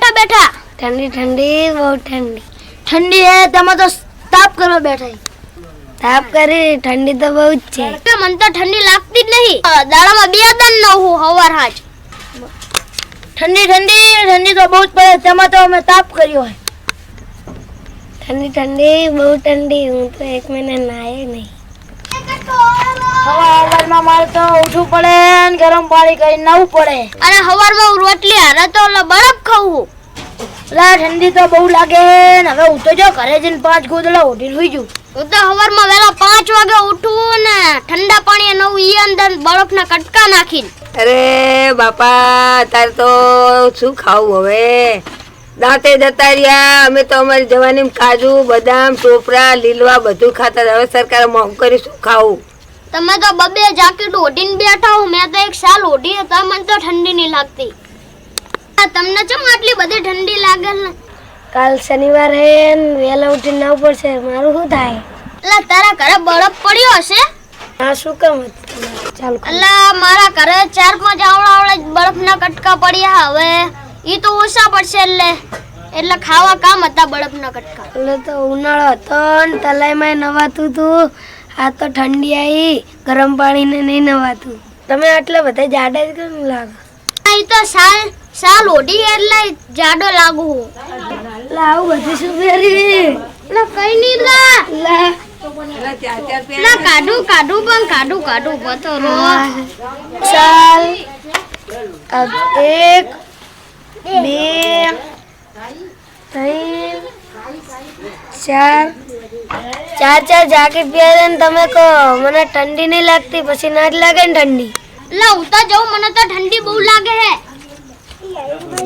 કરવા બેઠા? ठंडी ठंडी बहुत ठंडी ઠંડી હે તમે તો તાપ કરવા બેઠા. ताप करे ठंडी तो बहुत છે. કે મને તો ઠંડી લાગતી જ નહીં. દાડામાં બે દન ન હું હવાર હાજ. ઠંડી ઠંડી ઠંડી તો બહુ પડે. તેમાં તો અમે તાપ કર્યો હે. ठंडी ठंडी बहुत ठंडी હું તો એક મહિના નાય નહીં. હવારમાં મારે તો ઉઠવું પડે ને ગરમ પાણી કરીને નાવું પડે. અને હવારમાં હું રોટલી હારે તો બરફ ખાવું. ઠંડી તો બહુ લાગે ને હવે હું તો જો ઘરે જઈને 5 ગોદડા ઓઢીને સુઈ જઉં. હું તો હવારમાં વહેલા 5 વાગે ઉઠું ને ઠંડા પાણી નવું ઈ અંદર બરફના કટકા નાખીને. અરે બાપા તારે તો શું ખાવું હવે? દાંતે જતા રહ્યા. અમે તો અમારી જવાની કાજુ બદામ ટોપરા લીલવા બધું ખાતા. હવે સરકારે મોંઘું કરી શું ખાવું? તમે તો બબે જાકેટ ઓઢીને બેઠા હો. મેં તો એક સાલ ઓઢી હતા. મને તો ઠંડી નહીં લાગતી. તમને ચમ આટલી બધી ઠંડી લાગે ને? કાલ શનિવાર હે ને વહેલા ઉઠીને નાવું પડશે. મારું શું થાય? એટલે તારા ઘરે બરફ પડ્યો હશે? આ શું કામ હતું? ચાલ એટલે મારા ઘરે 4-5 આવડા બરફના કટકા પડ્યા. હવે ઈ તો ઓછા પડશે એટલે ખાવા કામ હતા બરફના કટકા. એટલે તો ઉનાળો હતો ને તલાઈમાં નવાતું હતું. આ તો ઠંડી આવી ગરમ પાણીને નહીં નવાતું. તમે આટલા બધા જાડા જ કેમ લાગો? ઈ તો સાલ ઓઢી એટલે જાડો લાગુ હું. એટલે આવું બધું શું પહેરી? એટલે કઈ નહીં લા કાઢું પણ કાઢું પથરો ચાલ 1 2 3 4 જાકેટ પહેરે ને તમે કહો મને ઠંડી નહીં લાગતી. પછી ના જ લાગે ને ઠંડી. એટલે હું તો જઉં મને તો ઠંડી બહુ લાગે હે.